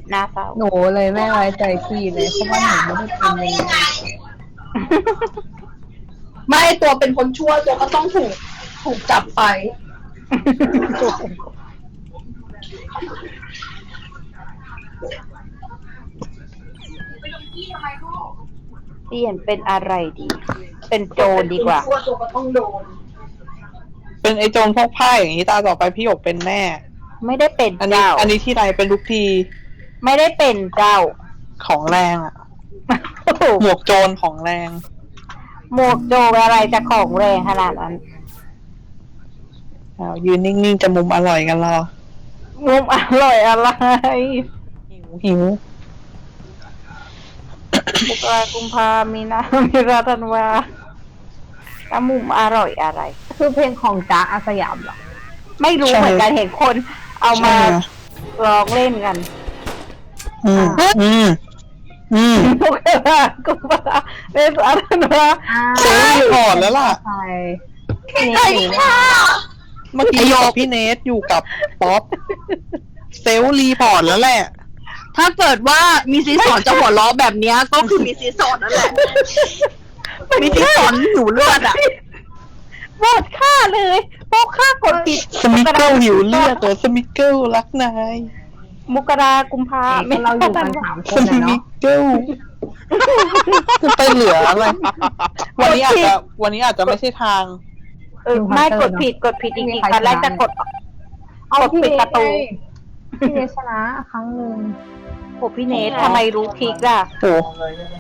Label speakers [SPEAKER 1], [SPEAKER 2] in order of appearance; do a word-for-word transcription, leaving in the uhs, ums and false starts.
[SPEAKER 1] น่าเศร้า
[SPEAKER 2] หนูเลยไม่ไว้ใจพี่เลยเพราะว่าหนูไม่ได้เป็นยังไง
[SPEAKER 3] ไม่ตัวเป็นคนชั่วตัวก็ต้องถูกถูกจับไป
[SPEAKER 1] เปลี่ยนเป็นอะไรดี เป็นโจรดีกว่า
[SPEAKER 3] ตัวตัวก็ต้องโดน
[SPEAKER 4] เป็นไอ้โจรพวกผ้าอย่างนี้ตาต่อไปพี่หยกเป็นแน่
[SPEAKER 1] ไม่ได้เป็น
[SPEAKER 4] อันนี้
[SPEAKER 1] เจ้า
[SPEAKER 4] อันนี้ที่ไรเป็นทุกที
[SPEAKER 1] ไม่ได้เป็นเจ้า
[SPEAKER 4] ของแรงอะหมวกโจรของแรง
[SPEAKER 1] หมวกโจรอะไรจะของแรงขนาดนั้น
[SPEAKER 4] อ้าวยืนนิ่งๆจะมุมอร่อยกันเหรอ
[SPEAKER 1] มุมอร่อยอะไร
[SPEAKER 4] หิวหิว
[SPEAKER 1] บุกรากุมภามีนามีราธันวาแล้วมุมอร่อยอะไร
[SPEAKER 2] คือเพลงของจ๊ะอาสยามเหรอ
[SPEAKER 1] ไม่รู้เหมือนกันเห็นคนเอามา
[SPEAKER 4] ใช่
[SPEAKER 1] ร้องเล่นกัน
[SPEAKER 4] อืมอืมอืม
[SPEAKER 1] บุกรากุมภาเมษาธันวา
[SPEAKER 4] เซลล์รีพอร์ตแล้วล่ะ
[SPEAKER 2] ใช่
[SPEAKER 3] ใช่ค่ะ
[SPEAKER 4] เมื่อกี้อยู่กับพี่เนทอยู่กับป๊อปเซลล์รีพอร์ตแล้วแหละ
[SPEAKER 3] ถ้าเกิดว่ามีซีสอนจะหัวล้อแบบเนี้ยก็คือมีซีสอนนั่นแหละมีซีสอนหนูเลือดอ่ะ
[SPEAKER 1] หมดค่าเลยโป๊กค่ากดผิด
[SPEAKER 4] สมิเกิลหิวเลือดเหรอสมิเกิลรักนาย
[SPEAKER 1] มกรากุมภา
[SPEAKER 2] ก็เราอยู่กันสามค
[SPEAKER 4] ส
[SPEAKER 2] นนะ
[SPEAKER 4] มิ
[SPEAKER 2] เนาะ
[SPEAKER 4] เกิลจะไปเหลืออะไร วันนี้อาจจะวันนี้อาจจะไม่ใช่ทาง
[SPEAKER 1] เออไม่กดผิดกดผิดจริงๆตอนแรกจะกด
[SPEAKER 2] เอา
[SPEAKER 1] กด
[SPEAKER 2] พี่
[SPEAKER 1] ปิด
[SPEAKER 2] เน
[SPEAKER 1] ประตู
[SPEAKER 2] พี่เนชนะครั้งหนึ่ง
[SPEAKER 1] โอ้พี่เนททำไมรู้ทริกล่ะ
[SPEAKER 4] โอ้